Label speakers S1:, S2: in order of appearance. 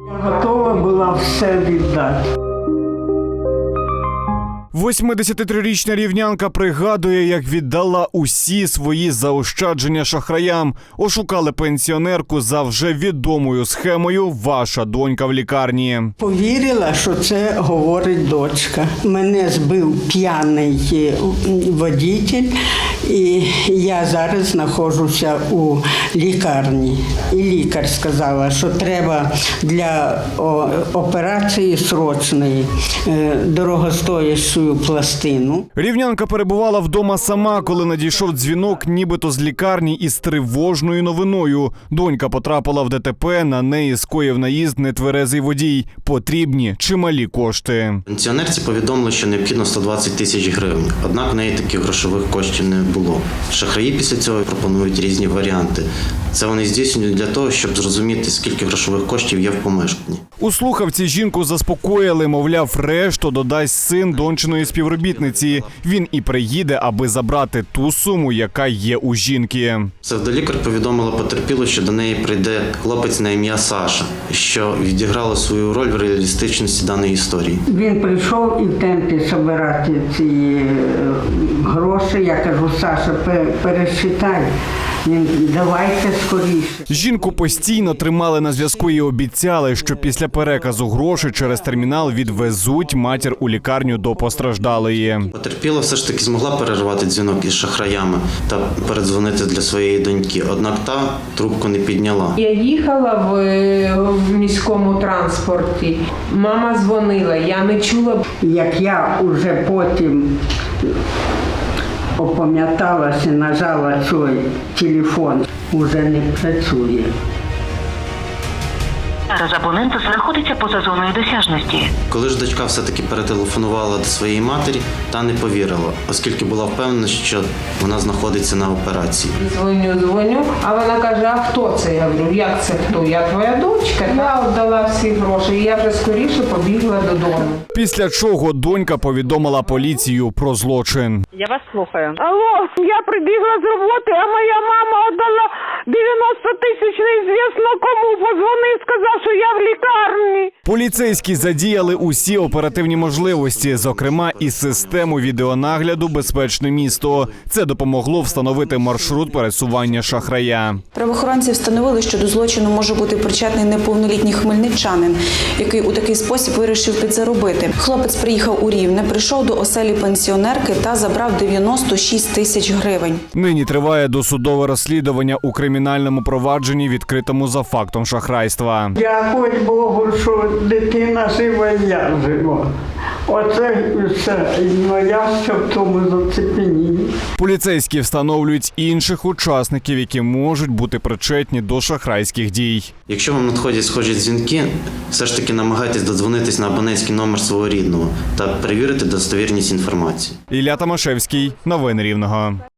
S1: Я готова була все віддати.
S2: 83-річна рівнянка пригадує, як віддала усі свої заощадження шахраям. Ошукали пенсіонерку за вже відомою схемою «Ваша донька в лікарні».
S1: Повірила, що це говорить дочка. Мене збив п'яний водитель, і я зараз знаходжуся у лікарні. І лікар сказала, що треба для операції срочної дорогостоящу пластину.
S2: Рівнянка перебувала вдома сама, коли надійшов дзвінок нібито з лікарні із тривожною новиною. Донька потрапила в ДТП, на неї скоїв наїзд нетверезий водій. Потрібні чималі кошти.
S3: Пенсіонерці повідомили, що необхідно 120 тисяч гривень, однак в неї таких грошових коштів не було. Шахраї після цього пропонують різні варіанти. Це вони здійснюють для того, щоб зрозуміти, скільки грошових коштів є в помешканні.
S2: У слухавці жінку заспокоїли, мовляв, решту додасть син дончиної співробітниці. Він і приїде, аби забрати ту суму, яка є у жінки.
S3: Псевдолікар повідомила потерпілу, що до неї прийде хлопець на ім'я Саша, що відіграло свою роль в реалістичності даної історії.
S1: Він прийшов і в темпі збирати ці гроші. Я кажу, Саша, пересчитай. Він, давайте скоріше.
S2: Жінку постійно тримали на зв'язку і обіцяли, що після переказу грошей через термінал відвезуть матір у лікарню до постраждалої.
S3: Потерпіла все ж таки змогла перервати дзвінок із шахраями та передзвонити для своєї доньки, однак та трубку не підняла.
S4: Я їхала в міському транспорті, мама дзвонила, я не чула.
S1: Як я вже потім опам'яталася, нажала цей телефон, уже не працює.
S5: Зараз абонент знаходиться поза зоною досяжності.
S3: Коли ж дочка все-таки перетелефонувала до своєї матері, та не повірила, оскільки була впевнена, що вона знаходиться на операції.
S4: Дзвоню, а вона каже, а хто це? Я говорю, як це хто? Я твоя дочка. Я віддала всі гроші, і я вже скоріше побігла додому.
S2: Після чого донька повідомила поліцію про злочин.
S6: Я вас слухаю.
S4: Алло, я прибігла з роботи, а моя мама віддала 90 тисяч неізвісно кому. Позвонив, сказав, що я в лікарні.
S2: Поліцейські задіяли усі оперативні можливості, зокрема і систему відеонагляду «Безпечне місто». Це допомогло встановити маршрут пересування шахрая.
S7: Правоохоронці встановили, що до злочину може бути причетний неповнолітній хмельничанин, який у такий спосіб вирішив підзаробити. Хлопець приїхав у Рівне, прийшов до оселі пенсіонерки та забрав 96 тисяч гривень.
S2: Нині триває досудове розслідування у кримінальному провадженні, відкритому за фактом шахрайства.
S1: Дякую Богу, що дитина жива і я жива. Оце все. Ну я ще в тому зацепенінні.
S2: Поліцейські встановлюють інших учасників, які можуть бути причетні до шахрайських дій.
S3: Якщо вам надходять схожі дзвінки, все ж таки намагайтесь додзвонитись на абонентський номер свого рідного та перевірити достовірність інформації.
S2: Ілля Томашевський. Новини Рівного.